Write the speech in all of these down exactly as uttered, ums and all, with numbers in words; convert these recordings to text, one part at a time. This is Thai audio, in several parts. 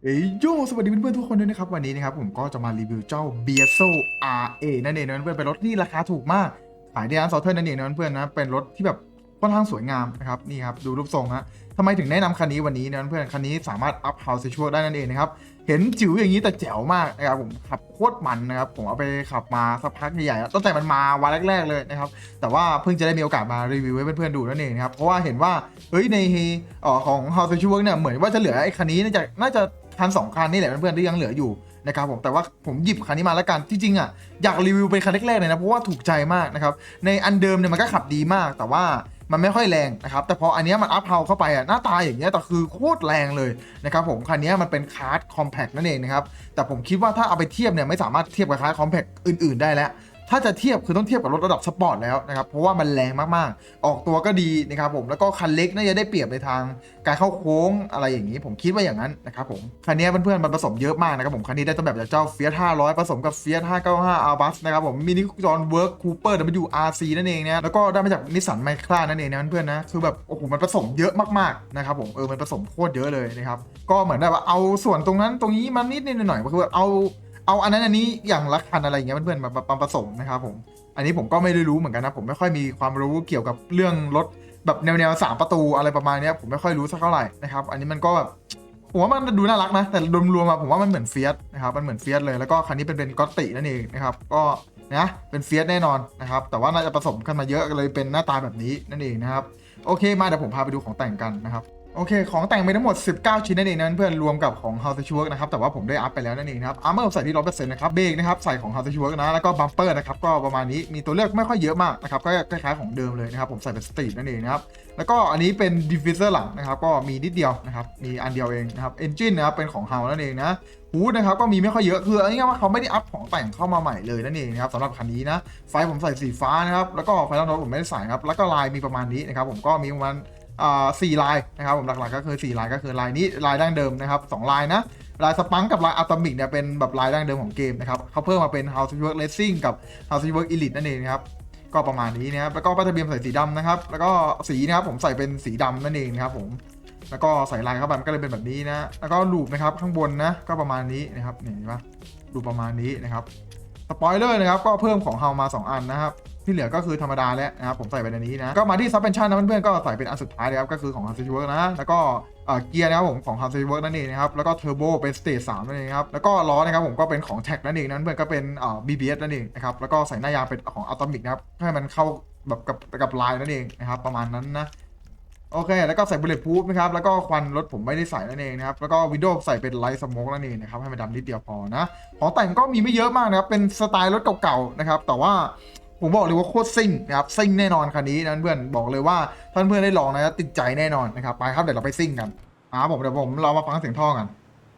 เฮ้ยโยสวัสดีเพื่อนๆทุกคนด้วยนะครับวันนี้นะครับผมก็จะมารีวิวเจ้า บี เอส โอ อาร์ เอ นั่นเองนะเพื่อนเป็นรถที่ราคาถูกมากขายที่ร้านซอเทอร์นั่นเองนะเพื่อนนะเป็นรถที่แบบค่อนข้างสวยงามนะครับนี่ครับดูรูปทรงฮะทำไมถึงแนะนำคันนี้วันนี้นะเพื่อนคันนี้สามารถอัพเฮาส์ชัวได้นั่นเองนะครับเห็นจิ๋วอย่างนี้แต่แจ๋วมากนะครับผมขับโคตรมันนะครับผมเอาไปขับมาสักพักใหญ่ๆตั้งแต่มันมาวันแรกๆเลยนะครับแต่ว่าเพิ่งจะได้มีโอกาสมารีวิวให้เพื่อนๆดูนั่นเองนะครับเพราะว่าเห็นว่าเฮ้ยในเอ่อของ House of Work เนี่ยเหมือนว่าจะเหลือไอ้คันนี้น่าจะน่าจะคันสองคันนี่แหละเพื่อนๆที่ยังเหลืออยู่นะครับผมแต่ว่าผมหยิบคันนี้มาแล้วกันที่จริงอ่ะอยากรีวิวเป็นคันแรกๆเลยนะเพราะว่าถูกใจมากนะครับในอันเดิมเนี่ยมันก็ขับดีมากแต่ว่ามันไม่ค่อยแรงนะครับแต่พออันนี้มันอัพเฮาเข้าไปอ่ะหน้าตาอย่างเงี้ยแต่คือโคตรแรงเลยนะครับผมคันนี้มันเป็นคาร์ดคอมแพคนั่นเองนะครับแต่ผมคิดว่าถ้าเอาไปเทียบเนี่ยไม่สามารถเทียบกับคาร์ดคอมแพคอื่นๆได้แล้วถ้าจะเทียบคือต้องเทียบกับรถระดับสปอร์ตแล้วนะครับเพราะว่ามันแรงมากๆออกตัวก็ดีนะครับผมแล้วก็คันเล็กน่าจะได้เปรียบในทางการเข้าโค้งอะไรอย่างนี้ผมคิดว่าอย่างนั้นนะครับผมคันนี้เพื่อนๆมันผสมเยอะมากนะครับผมคันนี้ได้ต้นแบบจากเจ้า Fiat ห้าร้อยผสมกับ Fiat ห้าเก้าห้า Abarth นะครับผมมินิจอนเวิร์คคูเปอร์ ดับเบิลยู อาร์ ซี นั่นเองนะแล้วก็ได้มาจากนิสสันไมครานั่นเองนะเพื่อนๆนะคือแบบโอ้โหมันผสมเยอะมากๆนะครับผมเออมันผสมโคตรเยอะเลยนะครับก็เหมือนแบบว่าเอาส่วนตรงนั้นตรงนี้มานิดนิดหน่อยๆก็คือเอาเอาอันนั้นอันนี้อย่างละคันอะไรอย่างเงี้ยเพื่อนๆมามาผสมนะครับผมอันนี้ผมก็ไม่ได้รู้เหมือนกันนะผมไม่ค่อยมีความรู้เกี่ยวกับเรื่องรถแบบแนวแนวสามประตูอะไรประมาณนี้ผมไม่ค่อยรู้สักเท่าไหร่นะครับอันนี้มันก็แบบผมว่ามันดูน่ารักนะแต่รวมๆมาผมว่ามันเหมือนเฟียสนะครับมันเหมือนเฟียสเลยแล้วก็คันนี้เป็นเป็นก็อตตินั่นเองนะครับก็นะเป็นเฟียสแน่นอนนะครับแต่ว่าน่าจะผสมกันมาเยอะเลยเป็นหน้าตาแบบนี้นั่นเองนะครับโอเคมาเดี๋ยวผมพาไปดูของแต่งกันนะครับโอเคของแต่งมีทั้งหมดสิบเก้าชิ้นนั่นเองนะเพื่อนรวมกับของ House of Work นะครับแต่ว่าผมได้อัพไปแล้วนั่นเองนะครับอาร์เมอร์ใส่ที่ ร้อยเปอร์เซ็นต์ นะครับเบรกนะครับใส่ของ House of Work นะแล้วก็บัมเปอร์นะครับก็ประมาณนี้มีตัวเลือกไม่ค่อยเยอะมากนะครับก็คล้ายๆของเดิมเลยนะครับผมใส่เป็นสตรีทนั่นเองนะครับแล้วก็อันนี้เป็นดิฟฟิวเซอร์หลังนะครับก็มีนิดเดียวนะครับมีอันเดียวเองนะครับเอนจินนะครับเป็นของ House นั่นเองนะฮูดนะครับก็มีไม่ค่อยเยอะคือเอาง่ายๆว่าเขาไม่ได้อัพของแต่งเข้ามาใหม่เลยนั่นเองนะครับสำหรับคันนี้นะไฟผมใส่สีฟ้านะครับแล้วก็ไฟท้ายรถผมไม่ได้ใส่ครับแล้วก็ลายมีประมาณนี้นะครับผมก็มีประมาณอ่าสี่ลายนะครับผมหลักๆก็คือสี่ลายก็คือลายนี้ลายดั้งเดิมนะครับสองลายนะลายสปังกับลายอะตอมิกเนี่ยเป็นแบบลายดั้งเดิมของเกมนะครับเขาเพิ่มมาเป็น House of Work Racing กับ House of Work Elite นั่นเองนะครับก็ประมาณนี้นะครับแล้วก็ป้ายทะเบียนใส่สีดำนะครับแล้วก็สีนะครับผมใส่เป็นสีดำนั่นเองนะครับผมแล้วก็ใส่ลายเข้าไปมันก็เลยเป็นแบบนี้นะแล้วก็ลูปนะครับข้างบนนะก็ประมาณนี้นะครับเห็นปะลูปประมาณนี้นะครับสปอยเลอร์นะครับก็เพิ่มของเฮามาสองอันนะครับที่เหลือก็คือธรรมดาแล้วนะครับผมใส่ไปในนี้นะก็มาที่ซับเพนชั่นนะเพื่อนๆก็ใส่เป็นอันสุดท้ายเลยครับก็คือของ House of Work นะแล้วก็เกียร์นะครับผมของ House of Work นั่นเองนะครับแล้วก็เทอร์โบเป็นสเตจสามนั่นเองครับแล้วก็ล้อนะครับผมก็เป็นของแท็กนั่นเองนั้นเพื่อนก็เป็นอ่า บี บี เอส นั่นเองนะครับแล้วก็ใส่หน้ายางเป็นของอะตอมิกนะครับให้มันเข้าแบบกับกับลายนั่นเองนะครับประมาณนั้นนะโอเคแล้วก็ใส่บุลเลตพูฟนะครับแล้วก็ควันรถผมไม่ได้ใส่นั่นเองนะครับแล้วก็วินโดว์ใส่เป็นไลท์สโมกนั่นเองนะครับให้มันดำนิดเดียวพอนะของแต่งก็มีไม่เยอะมากนะครับเป็นสไตล์รถเก่าๆนะครับแต่ว่าผมบอกเลยว่าโคตรซิ่งนะครับซิ่งแน่นอนคันนี้นะเพื่อนบอกเลยว่าท่านเพื่อนได้ลองนะติดใจแน่นอนนะครับไปครับเดี๋ยวเราไปซิ่งกันอ่าผมเดี๋ยวผมเรามาฟังเสียงท่อกัน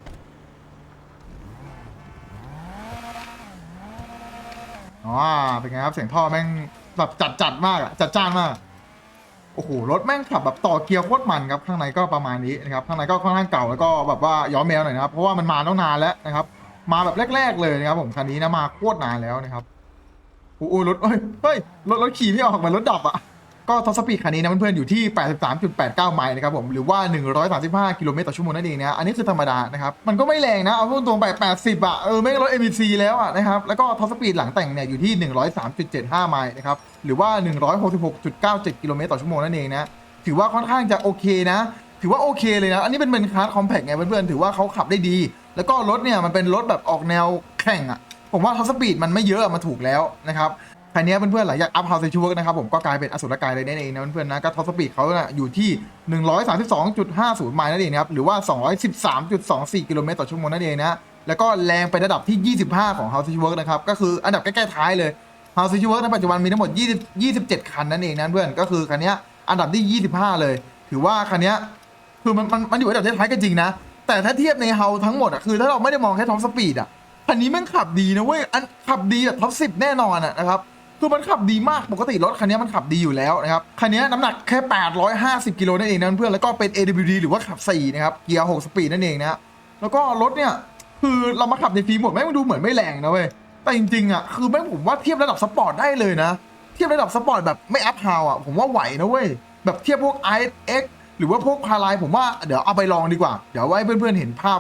อ๋อเป็นไงครับเสียงท่อแม่งแบบจัดจัดมากอะจัดจ้านมากโอ้โหรถแม่งขับแบบต่อเกียร์โคตรมันครับข้างในก็ประมาณนี้นะครับข้างในก็ค่อนข้างเก่าแล้วก็แบบว่าย้อนแมวหน่อยนะครับเพราะว่ามันมาตั้งนานแล้วนะครับมาแบบแรกๆเลยนะครับผมคันนี้นะมาโคตรนานแล้วนะครับโอ้โหรถเฮ้ยเฮ้ยรถรถขี่ไม่ออกเหมือนรถดับอะก็ท็อปสปีดคันนี้นะเพื่อนๆอยู่ที่ แปดสิบสามจุดแปดเก้า ไมล์นะครับผมหรือว่าหนึ่งร้อยสามสิบห้ากิโลเมตรต่อชั่วโมงนั่นเองนะอันนี้คือธรรมดานะครับมันก็ไม่แรงนะเอาตรงๆไปแปดสิบอะเออไม่รถ เอ็ม วี ซี แล้วอะนะครับแล้วก็ท็อปสปีดหลังแต่งเนี่ยอยู่ที่หนึ่งร้อยสามจุดเจ็ดห้า ไมล์นะครับหรือว่าหนึ่งร้อยหกสิบหกจุดเก้าเจ็ดกิโลเมตรต่อชั่วโมงนั่นเองนะถือว่าค่อนข้างจะโอเคนะถือว่าโอเคเลยนะอันนี้เป็นเป็นคาร์ดคอมแพคไงเพื่อนๆถือว่าเขาขับได้ดีแล้วก็รถเนี่ยมันเป็นรถแบบออกแนวแข่งอะผมว่าท็อปสปีดมันไม่เยอะมาถูกแล้วนะครับคันนี้เพื่อนๆหลังจากอัพเฮาส์ชัวร์นะครับผมก็กลายเป็นอสุรกายเลยนั่นเองนะเพื่อนๆนะก็ท็อปสปีดเขาอยู่ที่ หนึ่งร้อยสามสิบสองจุดห้าศูนย์ ไมล์นั่นเองนะครับหรือว่า สองร้อยสิบสามจุดสองสี่ กิโลเมตรต่อชั่วโมงนั่นเองนะแล้วก็แรงไประดับที่ยี่สิบห้าของ House of Work นะครับก็คืออันดับใกล้ๆท้ายเลย House of Work ในปัจจุบันมีทั้งหมดยี่สิบ ยี่สิบเจ็ดคันนั่นเองนะเพื่อนก็คือคันนี้อันดับที่ยี่สิบห้าเลยถือว่าคันนี้คือมันมันมันอยู่อันดับท้ายๆก็จริงนะแต่ถ้าเทียบใน House ทั้งหมดอ่ะคือถ้าเราไม่ได้มองแค่ท็อปสปีดอ่ะคันนี้แม่งขับดีนะเว้ยอันขับดีแบบท็อปสิบแน่นอนอ่ะนะครับคือมันขับดีมากปกติรถคันนี้มันขับดีอยู่แล้วนะครับคันนี้น้ำหนักแค่แปดร้อยห้าสิบกิโลนั่นเองนะเพื่อนแล้วก็เป็น เอ ดับเบิลยู ดี หรือว่าขับสี่นะครับเกียร์หกสปีดนั่นเองนะแล้วก็รถเนี่ยคือเรามาขับในฟรีโหมดแม่งดูเหมือนไม่แรงนะเว้ยแต่จริงๆอ่ะคือแม่งผมว่าเทียบระดับสปอร์ตได้เลยนะเทียบระดับสปอร์ตแบบไม่อัพฮาวอ่ะผมว่าไหวนะเว้ยแบบเทียบพวก ไอ เอ็กซ์ หรือว่าพวกพาไลผมว่าเดี๋ยวเอาไปลองดีกว่าเดี๋ยวไว้เพื่อนๆเห็นภาพว่า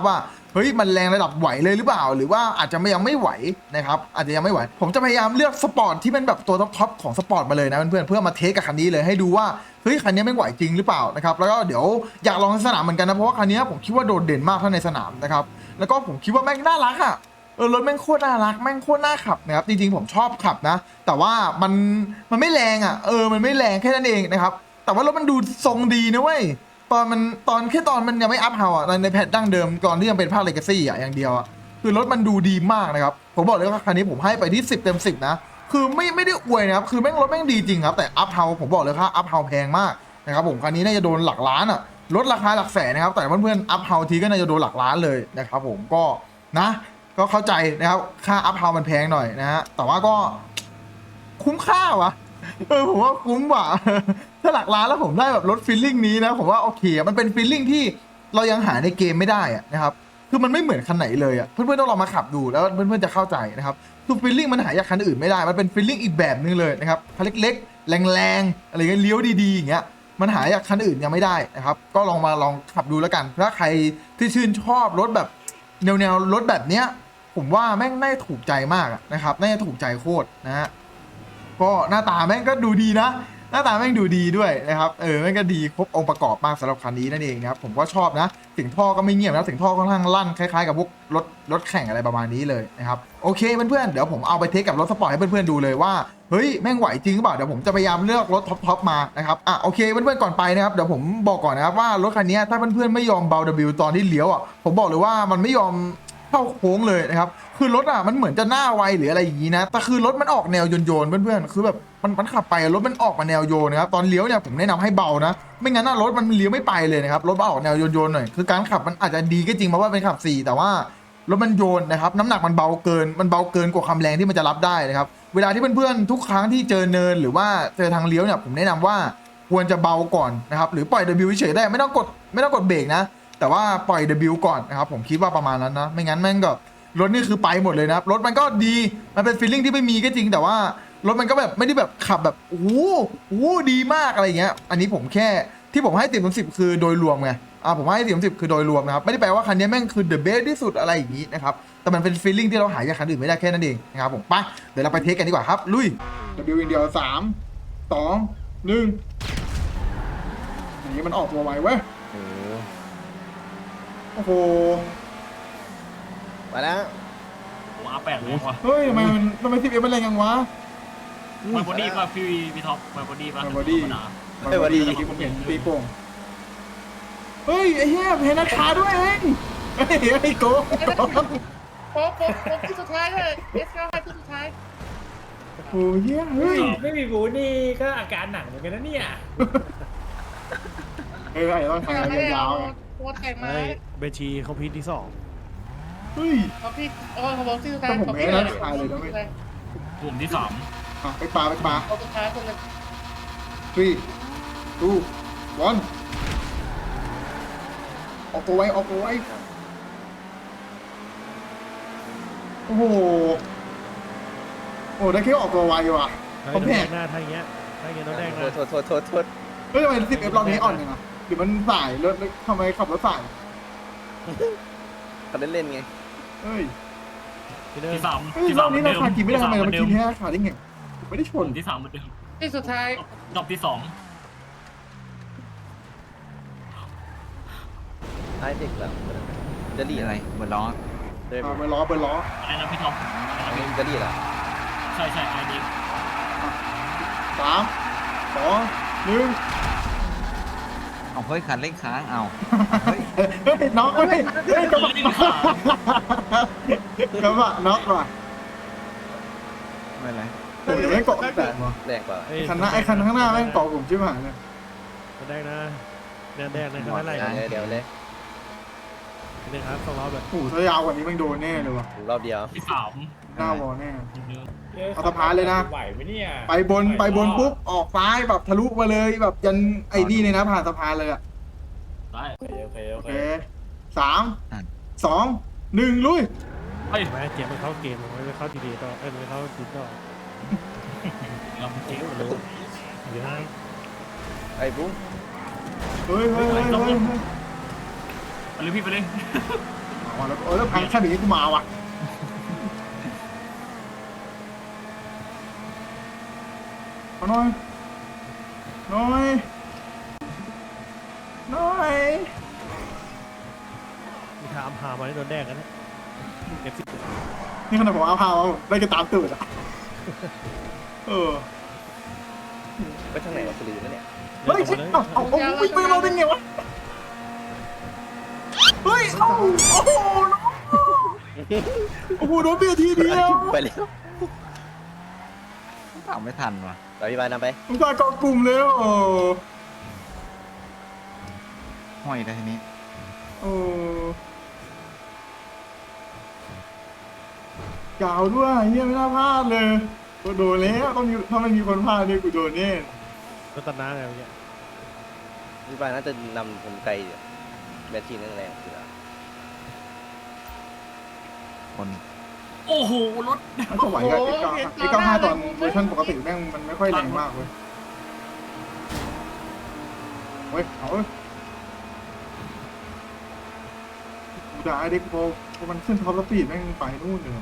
เฮ้ยมันแรงระดับไหวเลยหรือเปล่าหรือว่าอาจจะไม่ยังไม่ไหวนะครับอาจจะยังไม่ไหวผมจะพยายามเลือกสปอร์ตที่เป็นแบบตัวท็อปๆของสปอร์ตมาเลยนะเพื่อนๆเพื่อมาเทสกับคันนี้เลยให้ดูว่าเฮ้ยคันนี้ไม่ไหวจริงหรือเปล่านะครับแล้วก็เดี๋ยวอยากลองในสนามเหมือนกันนะเพราะว่าคันนี้ผมคิดว่าโดดเด่นมากถ้าในสนามนะครับแล้วก็ผมคิดว่าแม่งน่ารักอ่ะเออรถแม่งโคตรน่ารักแม่งโคตรน่าขับนะครับจริงๆผมชอบขับนะแต่ว่ามันมันไม่แรงอ่ะเออมันไม่แรงแค่นั้นเองนะครับแต่ว่ารถมันดูทรงดีนะเว้ยตอนมันตอนแค่ตอนมันยังไม่อัพเฮาอ่ะในแพทดั้งเดิมก่อนที่ยังเป็นภาคเลกาซี่อ่ะอย่างเดียวอ่ะคือรถมันดูดีมากนะครับผมบอกเลยว่าคันนี้ผมให้ไปที่สิบเต็มสิบนะคือไม่ไม่ได้อวยนะครับคือแม่งรถแม่งดีจริงครับแต่อัพเฮาผมบอกเลยว่าอัพเฮาแพงมากนะครับผมคันนี้น่าจะโดนหลักล้านอ่ะลดราคาหลักแสนนะครับแต่เพื่อนๆอัพเฮาทีก็น่าจะโดนหลักล้านเลยนะครับผมก็นะก็เข้าใจนะครับค่าอัพเฮามันแพงหน่อยนะฮะแต่ว่าก็คุ้มค่าวะเออผมว่าคุ้มว่ะถ้าหลักล้านแล้วผมได้แบบรถฟีลลิ่งนี้นะผมว่าโอเคมันเป็นฟีลลิ่งที่เรายังหาในเกมไม่ได้อะนะครับคือมันไม่เหมือนคันไหนเลยอ่ะเพื่อนๆต้องลองมาขับดูแล้วเพื่อนๆจะเข้าใจนะครับคือฟีลลิ่งมันหาจากคันอื่นไม่ได้มันเป็นฟีลลิ่งอีกแบบนึงเลยนะครับคันเล็กๆแรงๆอะไรเงี้ยเลี้ยวดีๆอย่างเงี้ยมันหาจากคันอื่นยังไม่ได้นะครับก็ลองมาลองขับดูแล้วกันถ้าใครที่ชื่นชอบรถแบบแนวแนวรถแบบเนี้ยผมว่าแม่งน่าจะถูกใจมากนะครับน่าจะถูกใจโคตรนะฮะก็หน้าตาแม่งก็ดูดีนะหน้าตาแม่งดูดีด้วยนะครับเออแม่งก็ดีครบองค์ประกอบมากสำหรับคันนี้นั่นเองนะครับผมก็ชอบนะเสียงท่อก็ไม่เงียบนะเสียงท่อค่อนข้างลั่นคล้ายๆกับพวกรถรถแข่งอะไรประมาณนี้เลยนะครับโอเคเพื่อนๆเดี๋ยวผมเอาไปเทสกับรถสปอร์ตให้เพื่อนๆดูเลยว่าเฮ้ยแม่งไหวจริงหรือเปล่าเดี๋ยวผมจะพยายามเลือกรถท็อปๆมานะครับอ่ะโอเคเพื่อนๆก่อนไปนะครับเดี๋ยวผมบอกก่อนนะครับว่ารถคันนี้ถ้าเพื่อนๆไม่ยอมเบา W ตอนที่เลี้ยวอ่ะผมบอกเลยว่ามันไม่ยอมเข้าโค้งเลยนะครับคือรถอ่ะมันเหมือนจะหน้าไวหรืออะไรอย่างนี้นะแต่คือรถมันออกแนวโยนๆเพื่อนๆคือแบบมันมันขับไปรถมันออกมาแนวโยนนะครับตอนเลี้ยวเนี่ยผมแนะนำให้เบานะไม่งั้นน่ะรถมันเลี้ยวไม่ไปเลยนะครับรถมันออกแนวโยนๆหน่อยคือการขับมันอาจจะดีก็จริงเพราะว่าเป็นขับสี่แต่ว่ารถมันโยนนะครับน้ำหนักมันเบาเกินมันเบาเกินกว่าความแรงที่มันจะรับได้นะครับเวลาที่เพื่อนๆทุกครั้งที่เจอเนินหรือว่าเจอทางเลี้ยวเนี่ยผมแนะนำว่าควรจะเบาก่อนนะครับหรือปล่อย W เฉยๆได้ไม่ต้องกดไม่ต้องกดเบรกนะแต่ว่าปล่อย W ก่อนนะครับผมคิดว่าประมาณนั้นนะไม่งั้นแม่งก็รถนี่คือไปหมดเลยนะครับรถมันก็ดีมันเป็นฟีลลิ่งที่ไม่มีก็จริงแต่ว่ารถมันก็แบบไม่ได้แบบขับแบบโอ้โหโอ้โหดีมากอะไรเงี้ยอันนี้ผมแค่ที่ผมให้ติดเป็นสิบคือโดยรวมไงอ่าผมให้ติดเป็นสิบคือโดยรวมนะครับไม่ได้แปลว่าคันนี้แม่งคือ the best ที่สุดอะไรอย่างนี้นะครับแต่มันเป็นฟีลลิ่งที่เราหาจากคันอื่นไม่ได้แค่นั้นเองนะครับผมไปเดี๋ยวเราไปเทสกันดีกว่าครับลุย W อินเดียสามสองหนึ่งอย่างนี้มันออกตัวไวเว้ยโอ้โอ้โหมาแล้วผมอาแปดเลยว่ะเฮ้ยทำไมมันทำไมสิบเอ็มมันแรงยังวะมันบอดี้ป่ะพี่พี่ท็อปมันบอดี้ป่ะมันบอดี้ธรรมดามันพอดีที่ผมเห็นตีโป่งเฮ้ยไอ้เหี้ยเพนราคาด้วยเฮ้ยเฮ้ยไอ้โกงโป๊ะโป๊ะโป๊ะที่สุดท้ายเลยเอสเก้าที่สุดท้ายโอ้โหเหี้ยเฮ้ยไม่มีบูธนี่ก็อาการหนักเหมือนกันนะเนี่ยเฮ้ยไอ้ต้องทำงานยาวๆไงโป๊ะแต่งมาเฮ้ยเบชีเขาพีทที่สองเฮ้ยเขาพี่เออเขาบอกที่สุดท้ายแต่ผมไม่ได้ขายเลยนะเว้ยกลุ่มที่สามอ่ะไปปลาไปปลาเขาสุดท้ายคนเลย three two one ออกตัวไว้ออกตัวไว้โอ้โหโอ้ได้แค่ออกตัวไวว่ะเฮ้ยผมโดนแหแดกงหน้าทางเงี้ยทางเงี้ยโดนแดงโทนะษโทษโทษโทษโทษเฮ้ยทำไมสิบเอฟรอบนี้อ่อนยังไงหรือมันสายรถทำไมขับรถสายเขาเล่นเล่นไงเฮ้ยพี่เนอที่ร์สามเฮ้ยที่รสาอมบเหมืนี้อนราเดิมคากินไม่ได้ทำไมเรามากินที่แค่ขาได้ไงไม่ได้ชกลุ่นมที่สามเหมือนเดิมที่สุดท้ายดอกที่สองไอ้เด็กแบบจะดีอะไรเหมือนล้อเดินอ่าเบอร์ล้อเบอร์ล้ออะไรนะพี่ท็อปอะไรนะพี่จะดีเหรอใช่ใช่ไอดีสามสองหนึ่งเอาเฮ้ยคันเร่งค้างเอาเฮ้ยน็อกเฮ้ยเฮ้ยกระบะกระบะน็อกว่ะไม่เป็นไรโอ้ยไม่เกาะแต่ว่ะแรงกว่าเฮ้ยคันหน้าไอ้คันข้างหน้าแม่งเกาะผมชิบหายเลยโดนแดงนะแดงแดงนะข้างหน้าไหลเดี๋ยวเดี๋ยวเลยพี่เนอร์ครับสองรอบเลยโอ้โหถ้ายาวกว่านี้แม่งโดนแน่เลยว่ะรอบเดียวที่สามหน้าวอแน่เหมือนเดิมเอาสะพานเลยนะไหวไหมเนี่ยไปบนไปบนปุ๊บออกซ้ายแบบทะลุมาเลยแบบยันไอ้นี่เลยนะผ่านสะพานเลยอ่ะได้โอเคโอเคโอโอเคเคสามสองหนึ่งลุยเฮ้ยแม่เจ็บมันเข้าเกมมันไม่เข้าทีดีต่อเอ้ยมันไม่เข้าทีต่อเราเจ๊งเร็วเดี๋ยวให้ไอ้บุ้งเฮ้ยเฮ้ยเฮ้ยเฮ้ยเฮ้ยไปเลยพี่ไปเลยมอ๋อแล้วเออแล้วพังแค่นี้กูมาว่ะเอาหน่อยหน่อยหน่อยมีถามหามาได้โดนแดกกันนะเอฟซีนี่ขนาดผมเอาพาวได้ก็ตามตื่นอ่ะเออไปทางไหนวะสุรินทร์นั่นเนี่ยเฮ้ยเอาเอาเอาวิ่งไปเราได้ไงวะเฮ้ยเอ้าโอ้โหโอ้โหโดนเบียร์ทีเดียวไปเลยตามไม่ทันว่ะไปพี่บานนำไปผมตายกองกลุ่มเลยโอ้ห้อยได้ทีนี้โอ้ยาวด้วยเฮียไม่น่าพลาดเลยกูโดนแล้วต้องมีถ้าไม่มีคนพลาดเนี่ยกูโดนแน่รถตัดหน้าไงเมื่อกี้พี่บานน่าจะนำผมไกลอยู่แบตชีนั่นแรงสุดแล้วคนโอ้โหรถมันก็ไหวกับเอ็กเก้าเอ็กเก้าห้าตอนเวอร์ชันปกติแม่งมันไม่ค่อยแรงมากเว้ยเฮ้ยเอาเว้ยกูด่าไอ้เด็กโฟพอมันขึ้นท็อปสปีดแม่งไปนู่นเลย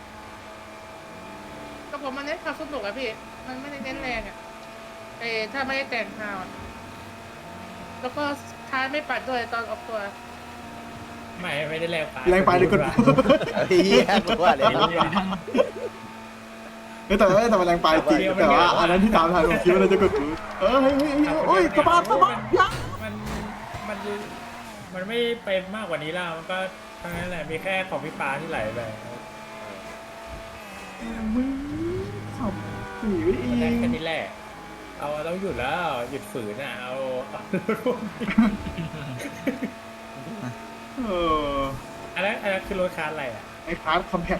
ก็ผมมันเน้นความสนุกอะพี่ มันไม่ได้เน้นแรงอะเออถ้าไม่ได้แต่งพาวอะแล้วก็ท้ายไม่ปัดด้วยตอนออกตัวไม่ไม่ได้แรงไปแรงไปเลยกดเฮียกูว่าเลยเฮ้ยแต่ว่าแต่มันแรงไปจริงแต่ว่าอันนั้นที่ตามทันผมคิดว่าเราจะกดปืนเออเฮ้ยเฮ้ยเฮ้ยโอ้ยสะบัดสะบัดยักมันมันมันไม่ไปมากกว่านี้แล้วมันก็ทั้งนั้นแหละมีแค่ของพี่ปาที่ไหลไปมึงขับสีไว้เอมันได้งแค่นี้แหละเอาต้องหยุดแล้วหยุดฝืนอ่ะเอาเอาเอออันนั้นอันนั้นคือรถคันอะไรอ่ะไอ้คาร์ดคอมแพค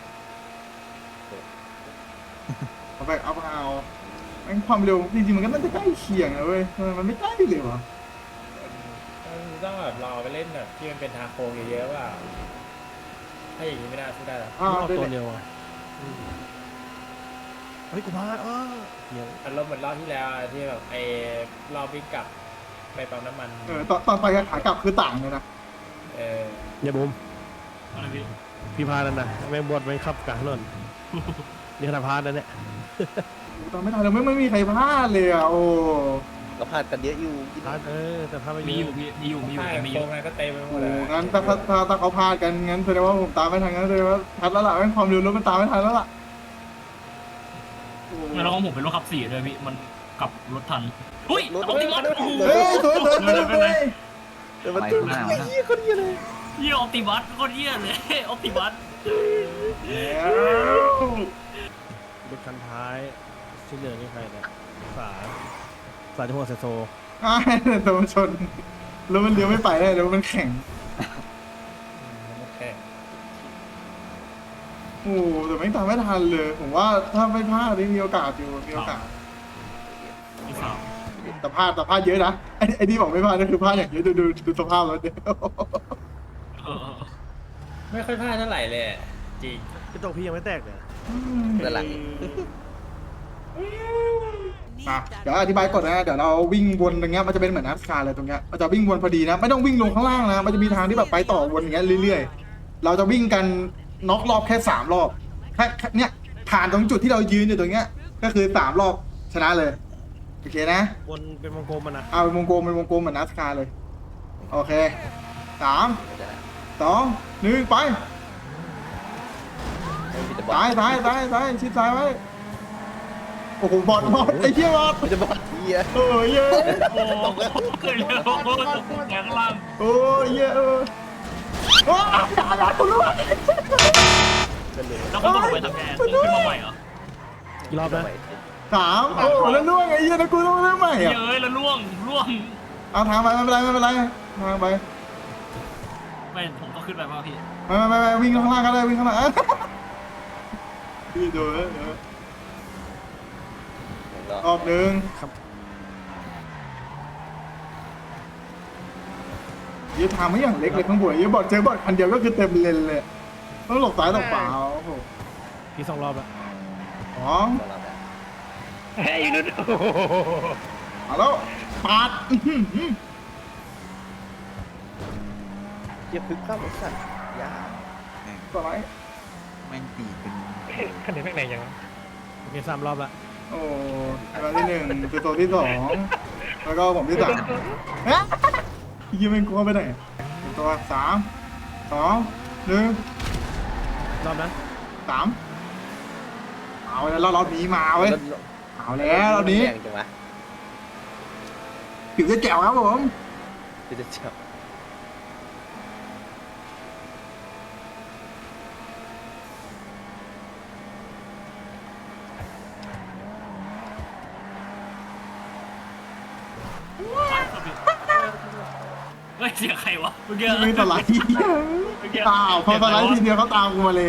คอมแพคอัพเอาแม่งความเร็วจริงๆมันก็น่าจะใกล้เคียงนะเว้ยทำไมมันไม่ใกล้เลยวะต้องแบบรอไปเล่นแบบที่มันเป็นทาโค้งเยอะๆว่าถ้าอย่างนี้ไม่ได้สู้ได้หรออ้าวเอาได้ตัวเลยเร็วอ่ะอืมเฮ้ยกูพลาดเออเฮียอารมณ์เหมือนรอบที่แล้วอะที่แบบไอ้รอบวิ่งกลับไปปั๊มน้ำมันเออตอนตอนไปกับขากลับคือต่างเลยนะเอออย่าบุมอะไรพี่พี่พานั่นนะแม่งบดแม่งขับกลางถนนนี่ขนาดพานั่นเนี่ยตอนไม่ทันเลยไม่ไม่มีใครพลาดเลยอ่ะโอ้ก็พลาดกันเยอะอยู่กินพาเออแต่พาไปมีอยู่พี่มีอยู่มีอยู่ใช่แต่มีอโค้ยู่งนั้นก็เต็มไปหมโหดเลยงั้นถ้าถ้าถ้าถ้าเขาพลาดกันงั้นแสดงว่าผมตามไม่ทันงั้นแสดงว่าทันแล้วล่ะแม่งความเร็วรถมันตามไม่ทันแล้วล่ะโอ้แล้วของผมเป็นรถขับสี่ด้วยพี่มันกลับรถทันอุ้ยเอาติมัสโอ้โหเฮ้ยสวยสวยสวยสวยเดี๋ยวมันไปตุ้ข้างหน้าไอ้นะเหี้ยคนเดียวเลยเยี่ยออปติมัสโคตรเยี่ยเลยออปติมัสแล้วรถคันท้ายชิ้นเหลืองนี่ใครเนี่ยสาสาที่หัวเซโซไอ้โดนชนแล้วมันเลี้ยวไม่ไปได้แล้วมันแข็งโอเคโอ้แต่ไม่งตามไม่ทันเลย ผมว่าถ้าไม่พลาดนี่มีโอกาสอยู่มีโอกาสที่สามแต่พลาดแต่พลาดเยอะนะไอ้ไอ้ที่บอกไม่พลาดนั่นคือพลาดอย่างเยอะดูดูดูสภาพแล้วเดี๋ยวเออไม่ค่อยพลาดเท่าไหร่เลยอะจริงกระจกพี่ยังไม่แตกเลยด้านหลังอ่ะเดี๋ยวอธิบายก่อนนะเดี๋ยวเราวิ่งวนตรงเงี้ยมันจะเป็นเหมือนนัสคาร์เลยตรงเงี้ยมันจะวิ่งวนพอดีนะไม่ต้องวิ่งลงข้างล่างนะมันจะมีทางที่แบบไปต่อวนอย่างเงี้ยเรื่อยๆเราจะวิ่งกันน็อกรอบแค่สามรอบแค่แค่เนี้ยผ่านตรงจุดที่เรายืนอยู่ตรงเงี้ยก็คือสามรอบชนะเลยโอเคนะวนเป็นวงกลมมันนะเอาเป็นวงกลมเป็นวงกลมเหมือนนัสคาร์เลยโอเคสามสองหนึ่งไปไม่มีแต่บอซ้ายลซ้ายซ้ายซ้ายชิดซ้ายไว้โอ้โหบอดบอดไอ้เหี้ยบอดมีแต่บอลเฮียเออเย้ยโอ้โหเกิดเร็วแกงล่างโอ้ยเย้ยเออโอ้ยอย่าอย่าคุณรู้ไหมกันเลยแล้วก็ต้องไปทำแกนขึ้นมาใหม่เหรอกี่รอบนะสามโอ้แล้วล่วงไอ้เหี้ยนะกูต้องเริ่มใหม่เยอ่ะอะแล้วล่วงล่วงเอาทางไปไม่เป็นไรไม่เป็นไรทางไปไม่ผมต้องขึ้นไปป่ะพี่ไม่ไม่ไม่วิ่งข้างล่างก็ได้วิ่งข้างล่างพี่ดูนะเดี๋ยวรอบหนึ่งยี่ทางไม่อย่างเล็กเลยข้างบนยี่บอดเจอบอดคันเดียวก็คือเต็มเลนเลยต้องหลบซ้ายหลบขวาโอ้โหพี่สองรอบแล้วสองเอาแล้วปาดอื้อหือเฮียพึกข้ามหมดสัตว์ยาสไลด์แม่งตีเป็นคันนี้แม่งแรงยังโอเคสามรอบละโอ้ตัวที่หนึ่งคือตัวที่สองแล้วก็ผมที่สามฮะยี่ไม่กลัวไปไหนตัวสามสองหนึ่งรอบนะสามเอาแล้วรอบนี้มาเว้ยรถเอาแล้วรอบนี้แรงจังวะผิวจะแจ๋วครับผมคือจะเจ็บเฮ้ยเสียงใครวะเมื่อกี้ไม่สไลด์เปล่าพอสไลด์ทีเดียวเขาตามกูมาเลย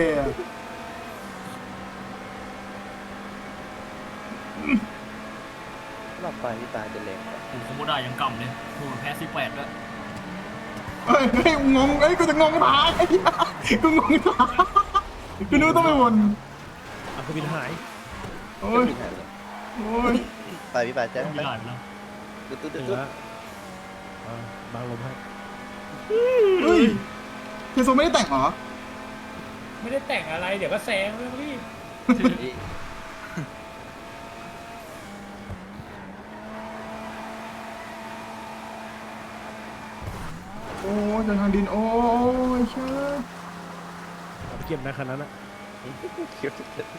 รอบปลายพี่ปลายจะแรงกว่าโอ้โหโคโมดายังกำเลยโอ้โหแพ้สิบแปดด้วยเฮ้ยเฮ้ยงงเอ้ยกูจะงงทางไอ้เหี้ยกูงงทางกูนึกว่าต้องไปวนอ่ะคือบินหายโอ้ยไม่ทันเลยโอ้ยปลายพี่ปลายจะไม่ได้ไปแล้วตุ๊ดตุ๊ดถึตุ๊งดแล้วอ่าบางลมให้เฮ้ยเทโซไม่ได้แต่งเหรอไม่ได้แต่งอะไรเดี๋ยวก็แซงแล้วพี่โอ้ยเดินทางดินโอ้ยเชื่อเอาไปเก็บนะคันนั้นนะเขียว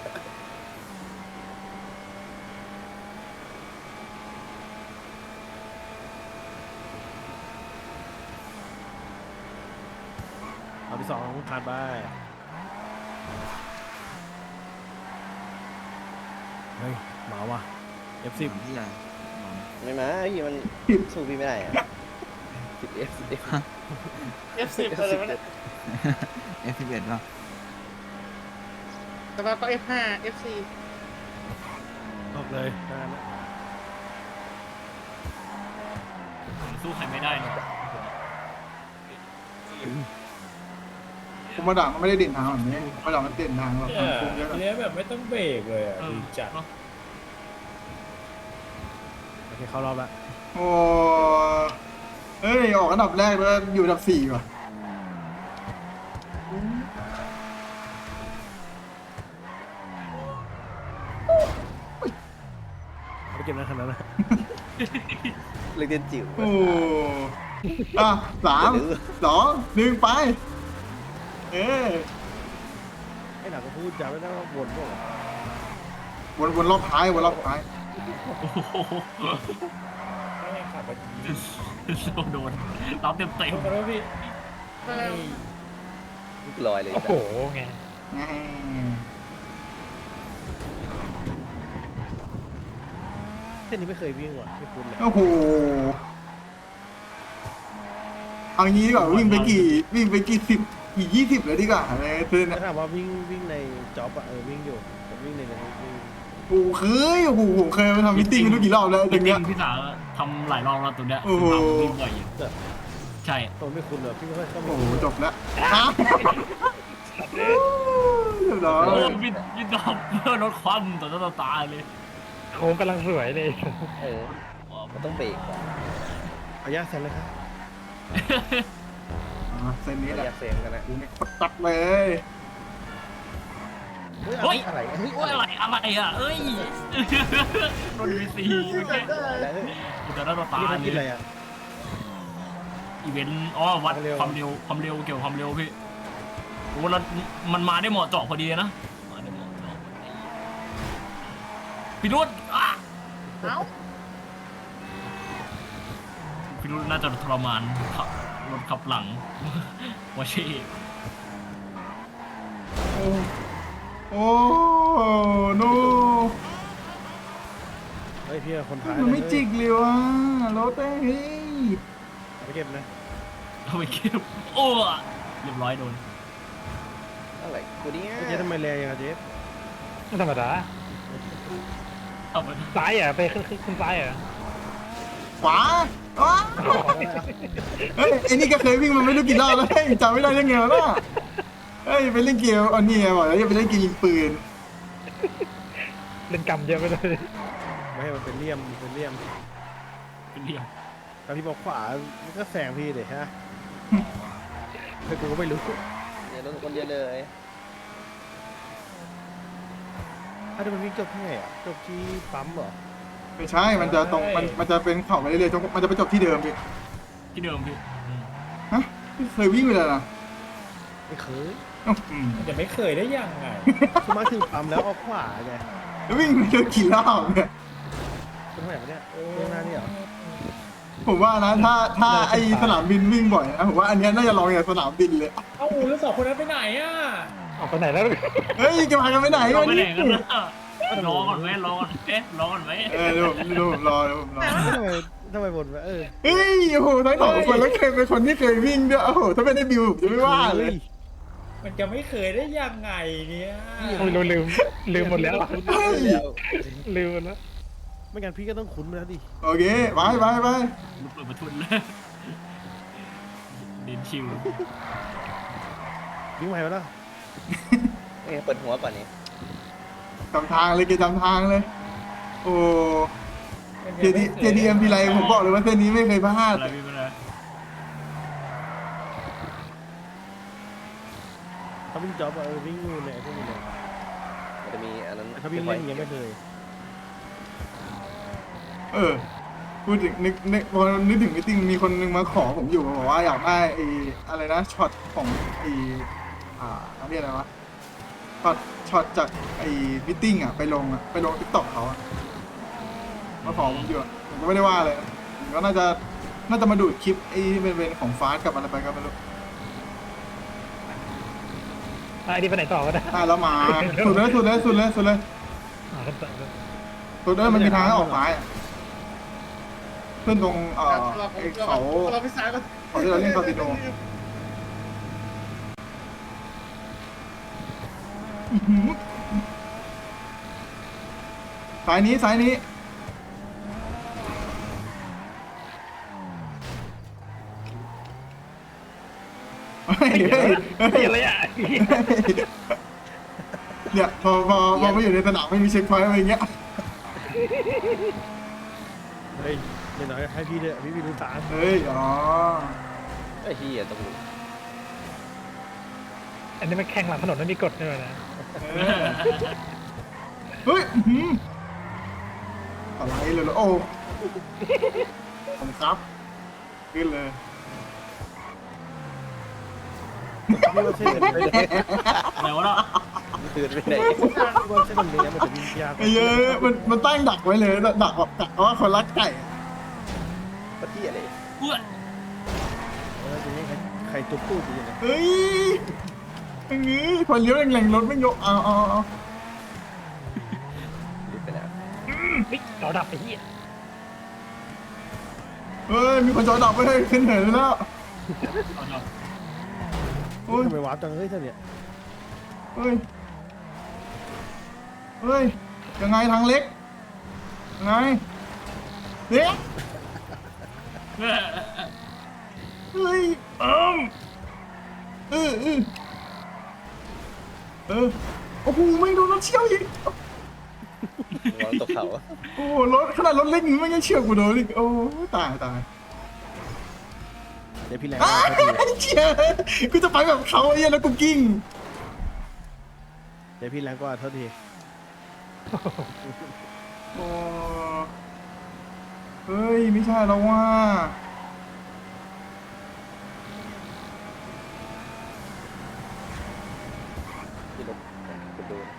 เอาที่สองผ่านไปเฮ้ยหมาว่ะ เอฟ สิบที่อะไรไม่มาพี่มันสู้พี่ไม่ได้อะสิบเอฟสิบเอฟเอฟสิบอะไรวะเนี่ยเอฟสิบเอ็ดป่ะแต่ว่าก็เอฟห้าเอฟสี่ออกเลยนานละผมสู้ใครไม่ได้เลยผมมาด่ามันไม่ได้เด่นทางแบบนี้มาด่ามันเด่นทางแบบเนี่ยทางโค้งเยอะทีนี้แบบไม่ต้องเบรกเลยอ่ะเออดีจัดเนอะโอเคเข้ารอบละโอ้เฮ้ยออกอันดับแรกแล้วอยู่อันดับสี่ว่ะเอาไปเก็บนะคันนั้นนะเล็กเด่นจิ๋วโอ้อ่ะสามสองหนึ่งไปเอ้ยไอ้หนักก็พูดจำไม่ได้ว่าวนพวกวนวนรอบท้ายวนรอบท้ายโอ้โหไม่ให้ขับไปโดนรับเต็มเต็มขอโทษพี่ลอยเลยโอ้โหไงแง่เส้นนี้ไม่เคยวิ่งว่ะไม่คุ้นเลยโอ้โหเอางี้ดีกว่าวิ่งไปกี่วิ่งไปกี่สิบกี่ยี่สิบเลยดีกว่าอะไรคือถ้าถามว่าวิ่งวิ่งในจ็อบอะเออวิ่งอยู่แต่วิ่งในในวิ่งกูเคยโอ้โหผมเคยไปทำมิทติ้งไม่รู้กี่รอบแล้วจอย่างเงี้ยริงๆพี่สาวทำหลายรอบแล้วตัวเนี้ยโอ้โหทำวิ่งบ่อยอยู่ใช่ตัวไม่คุ้นเลยพี่ไม่ค่อยเข้าโอ้มาโหจบแล้วฮะเรียบร้อยโอ้วินวินดอมเพื่อลดความต่อหน้าต่อตาเลยโค้งกำลังสวยเลยเออมันต้องเบรกก่อนเอายาแซนเลยครับอ่ะเส้นนี้ระแหละยะเซงกันนะกูเนี่ยตัดเลยเฮ้ยอะไรเฮ้ยโอ้ยอะไรอะไรอ่ะเอ้ยโดนวีซีเมื่อกี้อะไรเฮ้ยต่อหน้าต่อตาพี่เลทำกินอะไรยอ่ะอีเวนต์อ๋อวัดความเร็วความเร็วความเร็วเกี่ยวกับความเร็วพี่โอ้แล้วมันมาได้เหมาะเจาะพอดีนะมาได้เหมาะเจาะพอดีพี่รุ่นอ่ะเอ้าพี่รุ่นน่าจะทรมานขับรถขับหลัง วาชีโอ้โอ้โนเฮ้ยพี่คนท้ายมันไม่จิกเลยว่ะรถเอ้ยเอาไปเก็บนะเอาไปเก็บโอ้เรียบร้อยโดนอะไรกูเนี่ยเจ๊ทำไมแรงอย่างอะเจ๊ไม่ธรรมดาเอาไปซ้ายอ่ะ ไปขึ้นขึ้นขึ้นซ้ายอ่ะขวาอ้าเฮ้ยไอ้นี่ก็เคยวิ่งมันไม่รู้กี่รอบแล้วเฮ้ยจำไม่ได้ยังไงวะน่ะเฮ้ยไปเล่นเกมอันนี้ไงบอกแล้วจะไปเล่นเกมยิงปืนเล่นกำเยอะไปเลยไม่ให้มันเป็นเลี่ยมมันเป็นเลี่ยมเป็นเหลี่ยมถ้าพี่บอกขวามันก็แซงพี่เลยฮะ แต่กูก็ไม่รู้เดี๋ยวรถคนเดียวเลยถ้าเดี๋ยวมันวิ่งจบที่ไหนอ่ะจบที่ปั๊มเหรอไม่ใช่ มันจะตรง มัน มันจะเป็นเข่าไปเรื่อยๆจนมันจะไปจบที่เดิมพี่ที่เดิมพี่อืมฮะไม่เคยวิ่งไปเลยนะไม่เคยอืมมันจะไม่เคยได้ยังไงสมมติถึงปั๊มแล้วออกขวาไงแล้ววิ่งไปเจอกี่รอบเนี่ยตรงไหนวะเนี่ยเรื่องหน้านี่เหรอผมว่านะ ถ้า ถ้าไอสนามบินวิ่งบ่อยนะ ผมว่าอันเนี้ยน่าจะลองอย่างสนามบินเลยเอ้าแล้วสองคนนั้นไปไหนอ่ะออกไปไหนแล้วเฮ้ยจะมากันไปไหนเราวันไปไหนนี้กันนะรอก่อนไหมรอก่อนเอ๊ะรอก่อนไหมเออเดี๋ยวผมเดี๋ยวผมรอเดี๋ยวผมรอทำไมทำไมบนวะเออเฮ้ยโอ้โหทั้งสองคนแล้วเคยเป็นคนที่เคยวิ่งด้วยโอ้โหถ้าไม่ได้บิวผมจะไม่ว่าเลยมันจะไม่เคยได้ยังไงเนี่ยโอ้ยเราลืมลืมหมดแล้วเฮ้ยลืมหมดแล้วไม่งั้นพี่ก็ต้องคุ้นไปแล้วดิโอเคไปไปไปลูกเปิดประทุนเลยเดินชิววิ่งไปวะล่ะเอ้ยเปิดหัวก่อนนี่จำทางเลยเกจำทางเลย โอ้เจดีเจดีเอ็มพีไรผมบอกเลยว่าเส้นนี้ไม่เคยพลาดอะไรพี่ไม่ได้ถ้าวิ่งจ็อบอะเออวิ่งอยู่เนี่ยพวกนี้เนี่ยมันจะมีอันนั้นแต่ถ้าวิ่งเล่นอย่างเงี้ยไม่เคยเออพูดถึงนึกนึกพอนึกถึงมิทติ้งมีคนนึงมาขอผมอยู่บอกว่าอยากได้ไอ้อะไรนะช็อตของไอ้อ่าเขาเรียกอะไรวะช็อตช็อตจากไอ้มิทติ้งอ่ะไปลงอ่ะไปลงติ๊กต็อกเขาอ่ะมาขอผมอยู่อะผมก็ไม่ได้ว่าเลยผมก็น่าจะน่าจะมาดูดคลิปไอ้ที่เป็นเป็นของฟาสกับอะไรไปก็ไม่รู้อ่ะไอ้นี่ไปไหนต่อวะเนะได้แล้วมาสุดเลยสุดเลยสุดเลยสุดเลยอ่าครับต่อครับสุดเลยมันมีทางให้ออกซ้ายอะขึ้นตรงเอ่อไอ้เขาเราไปซ้ายก่อนเขาที่เราเล่นคาสิโนอื้อหือสายนี้สายนี้เฮ้ยเฮ้ยเฮ้ยเหี้ยอะไรอ่ะเนี่ยพอพอพอมาอยู่ในสนามไม่มีเช็คพอยต์อะไรอย่างเงี้ยเฮ้ยเดี๋ยวหน่อยให้พี่เลยพี่พี่รู้ตามเฮ้ยอ๋อไอ้เหี้ยตรงนี้อันนี้มันแข่งหลังถนนไม่มีกฎด้วยนะเออเฮ้ยอื้อหืออะไรเลยเหรอโอ้ผมครับขึ้นเลยพี่ว่าเส้นมันไปไหนอะไรวะเนาะตื่นไปไหนพี่ว่าเส้นมันเนี้ยมันจะวิ่งยากไอ้เยอะมันมันตั้งดักไว้เลยดักแบบดักว่าคนรักไก่อะปะเที่ยเลยอ้วนเออจะนี่ใครใครจุ๊บตู้ดีนะเฮ้ยอย่างงี้พอเลี้ยวแรงๆรถไม่ยกเอาเอาเอารีบไปแล้วเฮ้ยเราดับไปที่เฮ้ยมีคนจอดับไปเลยขึ้นเหินแล้วเอาเนาะโอ้ยทำไมวาร์ปจังเฮ้ยท่านเนี่ยเฮ้ยเฮ้ยยังไงทางเล็กยังไงเล็กเออเฮ้ยเอมเออเออเออโอ้โหไม่โดนรถเชี่ยวอีกวางตกเขาโอ้โหรถขนาดรถเล็กนี่ไม่ยังเชี่ยวกูโดนอีกโอ้ตายตายเดี๋ยวพี่แรงอ้าว่าพอดีวเชี่ยกูจะไปแบบเขาไอ้เหี้ยแล้วกูกิ้งเดี๋ยวพี่แรงกว่าเท่าทีโอ้เฮ้ยไม่ใช่แล้วว่าที่รถกระโดด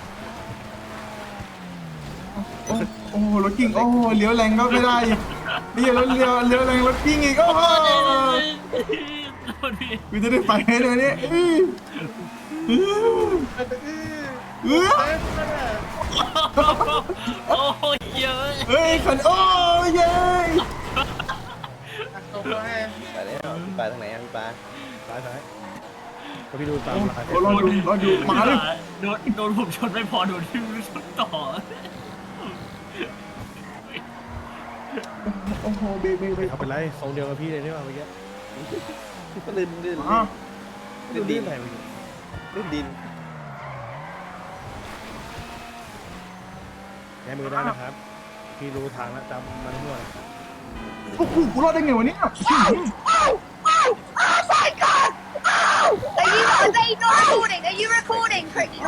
โอ้โอ้โหรถกิ้งโอ้โหเลี้ยวแรงก็ไม่ได้อีกเลี้ยวแล้วเลี้ยวเลี้ยวแรงรถกิ้งอีกโอ้โหโทษพี่กูจะได้ไปให้เลยเนี่ยอื้ออื้ออื้อโอ้ยเยอะเฮ้ยขันโอ้ยเย้ตรงไปไปแล้วพี่ปลาทางไหนอะพี่ปลาซ้ายซ้ายก็พี่ดูตามลายโอ้รอดูรอดูมาเลยโดนโดนผมชนไม่พอโดนที่ชนต่อโอ้โหเบรกเบรกเบรกเอาเป็นไรทรงเดียวกับพี่เลยนี่ว่าเมื่อกี้ก็ลื่นลื่นมาลื่นดิดินนไหนเมื่อกี้ลื่นดินแก้มือได้นะครับ พี่รู้ทางแล้วจำมันทั่วโอ้โหกูรอดได้ไงวะเนี่ยไ Are you are they not recording? Are you recording, Cricket?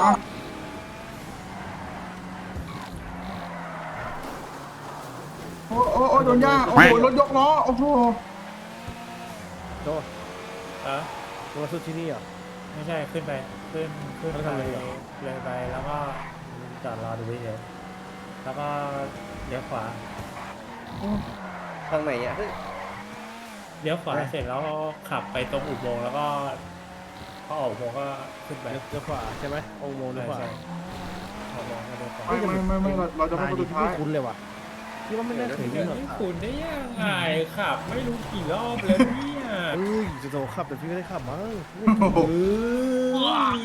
โอ้โอ้โอ้โดนย่าโอ้โหรถยกล้อโอ้โหโตอ่ะตัวสุดที่นี่เหรอไม่ใช่ขึ้นไปขึ้นขึ้นแล้วไปทำไงอ่ะเลยไปแล้วก็จอดรอดูเฉยแล้วก็เลี้ยวขวาทางไหนอ่ะเฮ้ยเลี้ยวขวาเสร็จแล้วก็ขับไปตรงอุโมงค์แล้วก็พอออกอุโมงค์ก็ขึ้นไปเลี้ยวเลี้ยวขวาใช่ไหมองค์โมงเลี้ยวขวาใช่อุโมงค์ก็เลี้ยวขวาไม่ไม่ไม่ไม่เราเราจะไม่คนสุดท้ายไม่คุ้นเลยว่ะที่ว่าไม่น่าเคยวิ่งหรอกนี่คุณได้ยังไงขับ ไม่รู้กี่รอบแล้วเนี่ยเอ้ยจะโตขับแต่พี่ไม่ได้ขับมั้งโอ้โหเอ้ย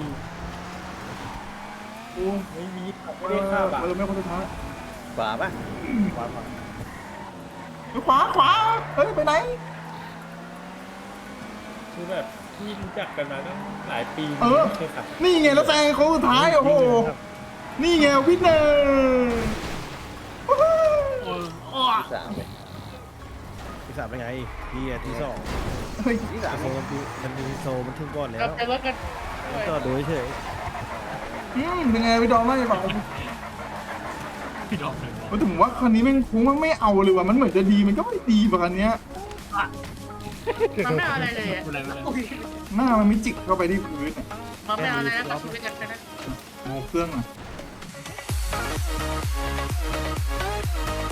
โอ้ไม่มีขับเอไม่ได้ขับอ่ะอไม่คนสุดท้ายขวาปะขวาขวาขวาขวาเฮ้ยไปไหนคือแบบที่รู้จักกันมาตั้งหลายปีเออไม่เคยขับนี่ไงแล้วแซงโค้งสุดท้ายโอ้โหนี่ไงวินเนอร์เอออ้อที่สามเลยที่สามเป็นไงพี่อ่ะที่สองเฮ้ยที่สามโซมันมีมันมีโซมันถึงก่อนแล้วเราไปรถกันจอดดูเฉยอืมเป็นไงพี่ดอมไม่บอกพี่ดอกเลยว่าถึงว่าคันนี้แม่งคุ้มมันไม่เอาเลยว่ะมันเหมือนจะดีมันก็ไม่ดีป่ะคันเนี้ยมันไม่เอาอะไรเลยอะอะไรอะไรหน้ามันไม่จิกเข้าไปที่พื้นอะมันไม่เอาอะไรนะก็คือเป็นกันนะโมเครื่องอ่ะ